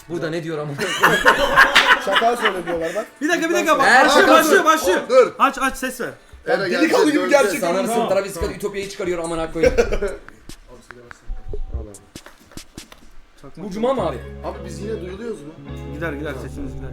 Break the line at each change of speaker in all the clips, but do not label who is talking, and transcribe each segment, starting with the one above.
Burada ne diyor ama?
Şaka söylüyorlar bak.
Bir dakika
Her
başlıyor.
Dur.
Aç ses ver.
Delikanlı gibi gerçek.
Sanır mısın
Tamam.
Travis Scott Ütopya'yı çıkarıyor amına koyayım. Bu cuma mı abi?
Abi biz yine duyuluyoruz mu?
Gider sesimiz gider.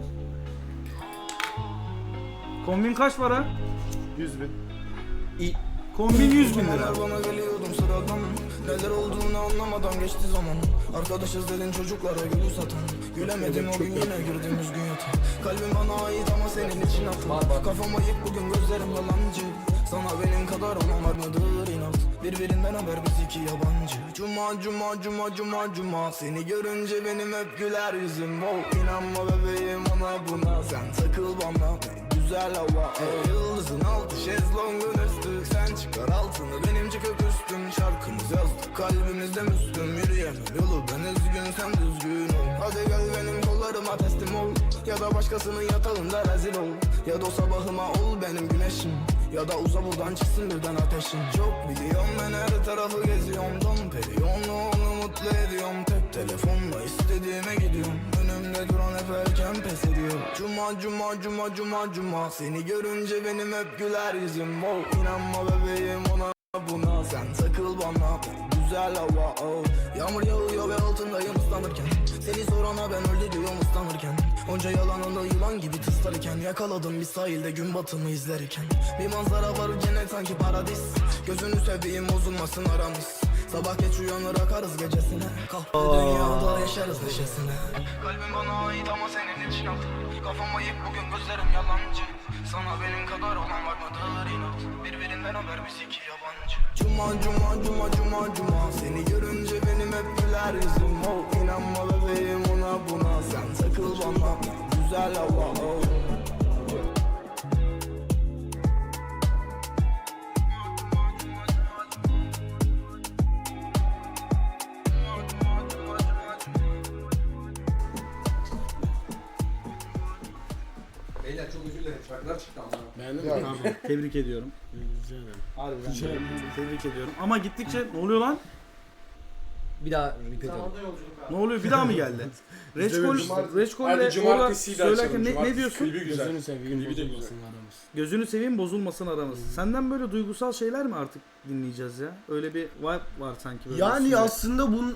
Kombin kaç para?
100.000.
Kombin 100 bin lira.
Bana geliyordum sıradan. Neler olduğunu anlamadan geçti zaman. Arkadaşız dedin çocuklara gülü satan. Gülemedim o gün yine girdim üzgün yatağa. Kalbim bana ait ama senin için haklı. Kafam ayık bugün gözlerim yalancı. Sana benim kadar olan var mıdır inat? Birbirinden haber biz iki yabancı. Cuma seni görünce benim hep güler yüzüm. Oh inanma bebeğim ona buna. Sen takıl bana güzel hava. Yıldızın altı şezlongun üstü. Sen çıkar altını benim çıkıp üstüm. Şarkımız yazdık kalbimizde müslüm. Yürüyemem yolu ben üzgün sen düzgün ol. Hadi gel benim kollarıma teslim ol. Ya da başkasının yatağında rezil ol. Ya da o sabahıma ol benim güneşim. Ya da uza buradan çıksın birden ateşin. Çok biliyorum ben her tarafı geziyorum. Don periyonla onu mutlu ediyorum. Tek telefonla istediğime gidiyorum. Önümde duran hep erken pes ediyor. Cuma seni görünce benim hep güler yüzüm. Oh inanma bebeğim ona buna. Sen takıl bana güzel hava oh. Yağmur yağıyor ve altındayım ıslanırken. Seni sorana ben öldü diyorum ıslanırken. Onca yalanını yılan gibi tıslarken. Yakaladım bir sahilde gün batımı izlerken. Bir manzara var cennet sanki paradis. Gözünü seveyim bozulmasın aramız. Sabah geç uyanır akarız gecesine. Kahpe dünyada yaşarız neşesine. Kalbim bana ait ama senin için haklı. Kafam ayık bugün gözlerim yalancı. Sana benim kadar olan var mıdır inat? Birbirinden haber biz iki yabancı. Cuma seni görünce benim hep güler yüzüm. Oh inanma bebeğim ona buna. Sen takıl bana güzel hava oh.
Beyler çok özür dilerim. Şarkılar çıktı ama.
Beğendin mi?
Abi, tebrik ediyorum. Harbiden tebrik ediyorum. Ama gittikçe ne oluyor lan?
Bir daha repeat edelim.
Ne oluyor? Bir daha mı geldi? Reçkol
Hadi
ile
cumartesiyi de
söylerken
açalım.
ne diyorsun?
Klibi güzel.
Gözünü seveyim
Klibi de güzel.
bozulmasın aramız.
Gözünü seveyim bozulmasın aramız. Senden böyle duygusal şeyler mi artık dinleyeceğiz ya? Öyle bir vibe var sanki böyle.
Yani
üstünde.
aslında bunun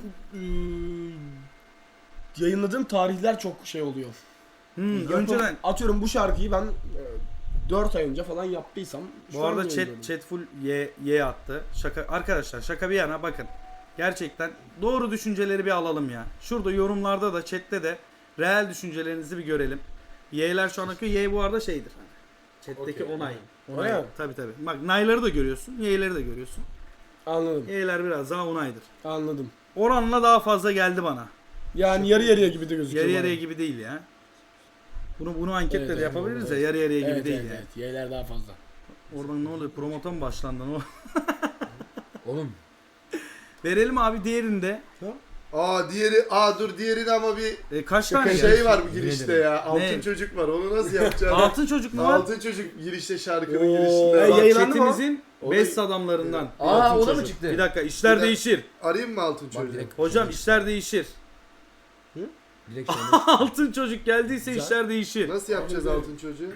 yayınladığım tarihler çok şey oluyor.
Önceden
Atıyorum bu şarkıyı ben 4 ay önce falan yaptıysam. şu
bu arada
an yayınlıyorum.
chat full Y attı. Şaka arkadaşlar şaka bir yana bakın. Gerçekten doğru düşünceleri bir alalım ya. Şurada yorumlarda da chatte de reel düşüncelerinizi bir görelim. Y'ler şu an akıyor. Y bu arada şeydir. Chat'teki
Okey.
onay.
Öyle mi?
Tabii. Bak nayları da görüyorsun. Y'leri de görüyorsun.
Anladım.
Y'ler biraz daha onaydır.
Anladım.
Oranla daha fazla geldi bana.
Yani yarı yarıya gibi de gözüküyor.
Yarı
bana.
yarıya gibi değil ya. Bunu anketle
Evet,
de yapabiliriz ya. Yarı yarıya gibi
Evet,
değil
evet,
yani.
evet. Y'ler daha fazla.
Oradan ne oluyor? Promota mı başlandı? Ne
Oğlum.
Verelim abi diğerinde.
Diğerini ama bir
Kaç tane
şey
geldi?
var bu girişte ya. Altın
Ne?
çocuk var. Onu nasıl yapacağız?
Altın çocuk mu var?
Altın çocuk girişte şarkının
Oo,
girişinde.
yayınlandı mı?
Chatimizin
O da-
best adamlarından.
Aa o da mı
çocuk.
çıktı?
Bir dakika işler
Bir de-
değişir.
Arayayım mı altın
Bak
çocuğu?
direkt.
Hocam işler değişir.
Direkt şey.
Altın çocuk geldiyse
Güzel.
işler değişir.
Nasıl yapacağız altın çocuğu?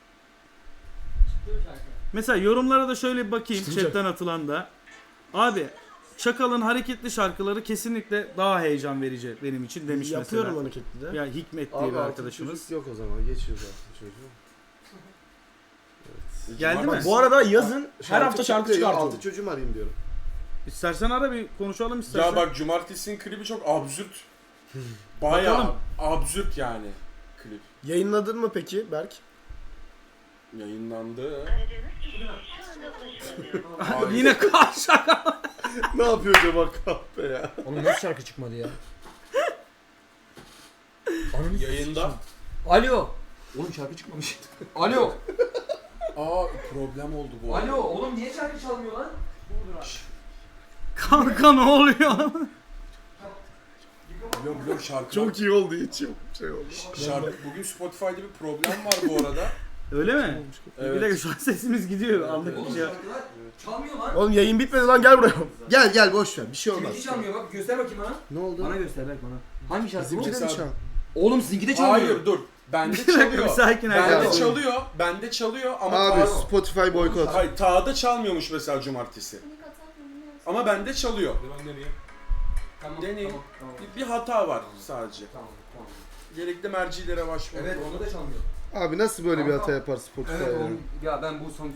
Mesela yorumlara da şöyle bir bakayım
Çıkacak.
chatten atılan da. Abi Çakal'ın hareketli şarkıları kesinlikle daha heyecan verici benim için demiş
Yapıyorum
mesela.
hareketli de.
Ya Hikmet diye
Abi
bir
altın
arkadaşımız.
çocuk yok o zaman. Geçiyoruz altın çocuğu.
Geldi mi?
Bu arada yazın her hafta şarkı
çıktı.
çıkartıyorum.
Altın çocuğu mu arayayım diyorum.
İstersen ara bir konuşalım istersen.
Ya bak cumartesinin klibi çok absürt. Bayağı
Bakalım.
absürt yani klip.
Yayınladın mı peki Berk?
Yayınlandı.
Yine şaka.
Ne yapıyor acaba kahpe ya?
Oğlum nasıl şarkı çıkmadı ya? Ananı
Yayında.
Alo. Oğlum şarkı çıkmamış. Alo.
Aa problem oldu bu.
Alo. Oğlum niye şarkı çalmıyor lan?
Kanka ne oluyor?
Biliyorum şarkı.
Çok iyi oldu içim. Şey oldu.
Şarkı. Bugün Spotify'da bir problem var bu arada.
Öyle mi?
Evet.
Bir dakika şu an sesimiz gidiyor. Anlık
Oğlum
bir şey.
şarkılar çalmıyor lan.
Oğlum yayın bitmedi lan gel buraya.
Gel boş ver. Bir şey olmaz.
Kiminki çalmıyor bak göster bakayım bana.
Ne oldu?
Bana göster bak bana. Hangi şarkı bu?
Bizimki de mi
Mesela-
çal?
Oğlum sizinki de çalmıyor.
Hayır dur. Bende
Bir dakika,
çalıyor.
bir sakin
Bende
arkadaşlar.
çalıyor. Bende çalıyor ama
Abi Spotify boykot.
Hayır, Ta'da çalmıyormuş mesela cumartesi. Ama bende çalıyor.
Tamam,
Deneyin.
tamam.
Bir hata var sadece.
Tamam.
Gerekli mercilere başvurun.
Evet onu da çalmıyor.
Abi nasıl böyle bir hata yapar Spotify
Evet
ya?
oğlum. Ya ben bu son...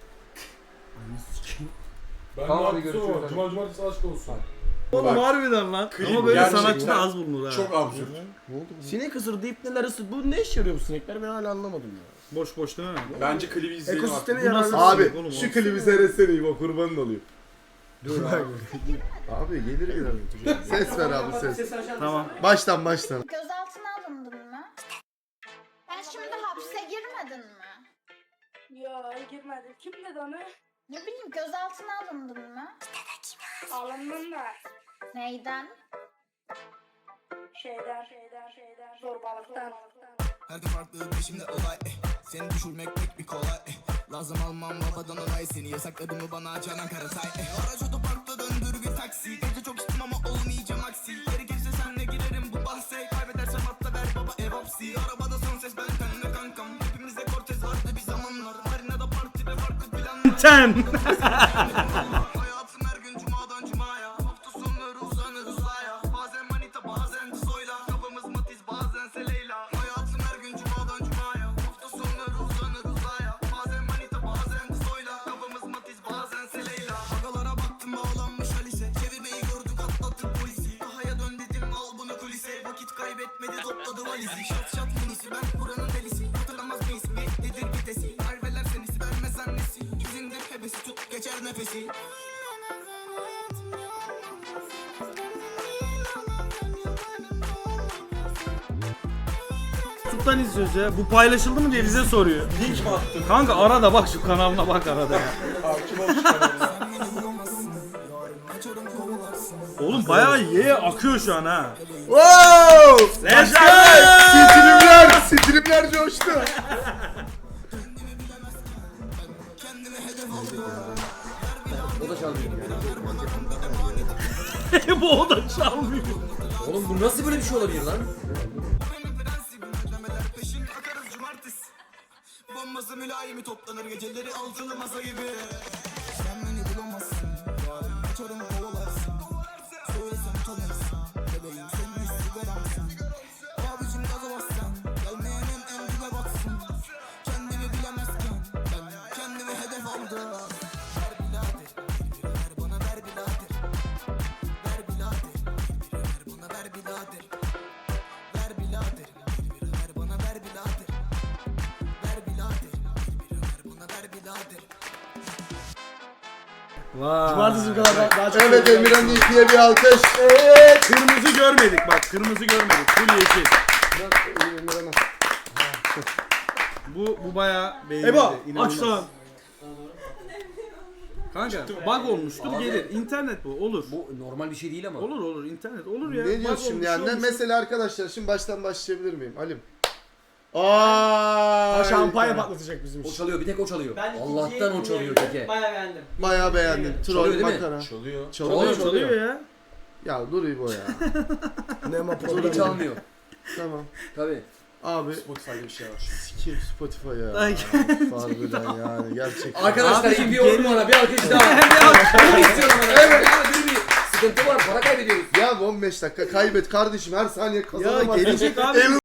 Ben
Tamam,
de
hadi
haklısın
görüşürüz,
ama
hadi.
cumartesi aşk olsun.
Oğlum
Bak,
harbiden lan.
klip
Ama böyle
gerçekten
sanatçı da az bulunur ha.
Çok absürt.
Ne oldu bu?
Sinek ısırdı, ipneler ısırdı. Bu ne işe yarıyor bu sinekler? Ben hala anlamadım ya.
Boş boş değil mi?
Bence klibi izleyelim
Ekosisteme
artık.
Bu nasıl-
yararlı.
Abi
Oğlum,
şu
o-
klibi seyretsene İbo kurbanın olayım.
Dur abi.
Abi gelir gelir. Ses ver abi ses.
Tamam.
Baştan.
Gözaltına alındın mı? Ben şimdi hapse girmedin mi?
Yok girmedim. Kim dedi onu?
Ne bileyim gözaltına alındın mı?
Alındım da.
Neyden?
Şeyden. Zorbalıktan.
Her gün farklı peşimde olay Seni düşürmek pek bir kolay Lazım almam babadan onay Seni yasakladı mı bana Canan Karatay Araç otoparkta döndür bir taksi Gece çok içtim ama olmayacağım aksi Gerekirse senle girerim bu bahse Kaybedersem atla ver baba ev hapsi Arabada son ses ben tenle kankam Hepimizde Cortez vardı bir zamanlar Marina'da parti ve farklı planlar
Ten.
Hayatım her gün cumadan cumaya Hafta sonları uzanırız aya Bazen manita bazen soyla Kafamız matiz bazen seleyla Hayatım her gün cumadan cumaya Hafta sonları uzanırız aya Bazen manita bazen soyla Kafamız matiz bazen seleyla Agalara baktım bağlanmış Alice Çevirmeyi gördük atlattık polisi Dahaya dön dedim al bunu kulise Vakit kaybetmedi topladı valizi Şat minisi ben buranın delisi Hatırlamaz mıyız nedir vitesi Harveler senisi vermez annesi İzindir hebesi tut geçer nefesi
YouTube'dan izliyoruz ya. Bu paylaşıldı mı diye bize soruyor.
Link mi attın?
Kanka arada bak şu kanalına bak arada ya.
Hakim ol şu kanalına.
Oğlum bayağı ye akıyor şu an ha.
Wow!
Let's go!
Streamler coştu.
O da çalmıyor.
Bu o da çalmıyor.
Oğlum bu nasıl böyle bir şey olabilir lan?
Peşin akarız cumartesi Bombası mülayimi toplanır geceleri altılı masa gibi Sen beni bulamazsın Açarım kovalarsın Söylesem tanırsın Bebeğim senin sigaramsın Abicim gaza bassan Gelmeyenin en dibe baksın Kendimi bilemezken Ben kendimi hedef aldım Ver bilader ver bana ver bilader Ver bilader ver bana ver bilader Ver bilader ver bana ver bilader Ver bilader ver bana ver bilader
Vay.
Cumartesi bu kadar daha çok.
Evet Emirhan İlki'ye bir alkış.
Kırmızı görmedik bak kırmızı görmedik. Full yeşil.
Emirhan'a.
Bu bayağı beğenildi.
Ebo
İnanılmaz.
aç lan.
Kanka bug olmuştur
Abi.
gelir. İnternet bu olur.
Bu normal bir şey değil ama.
Olur internet olur ya.
Ne
Bug
diyorsun şimdi
olmuş,
yani?
olmuş.
Mesela arkadaşlar şimdi baştan başlayabilir miyim? Halim. Aa,
Şampanya patlatacak bizim
O
için.
çalıyor bir tek o çalıyor.
Ben
Allah'tan o çalıyor teke.
Bayağı beğendim.
Bayağı beğendim.
Çalıyor
Troll
değil mi?
makara.
Çalıyor.
Çalıyor.
Çalıyor ya.
Ya dur İbo ya.
Nema
Çalıyor
problem.
çalmıyor.
Tamam.
Tabii.
Abi
Spotify'da bir şey var şimdi.
sikeyim Spotify ya.
Ay.
Harbiden yani gerçekten.
Arkadaşlar
Abicim,
iyi bir yorum bana bir alkış daha. Bunu istiyorum bana. Evet. Bir sıkıntı var para kaybediyoruz.
Ya 15 dakika kaybet kardeşim her saniye
Ya
kazanamaz.
gelecek abi.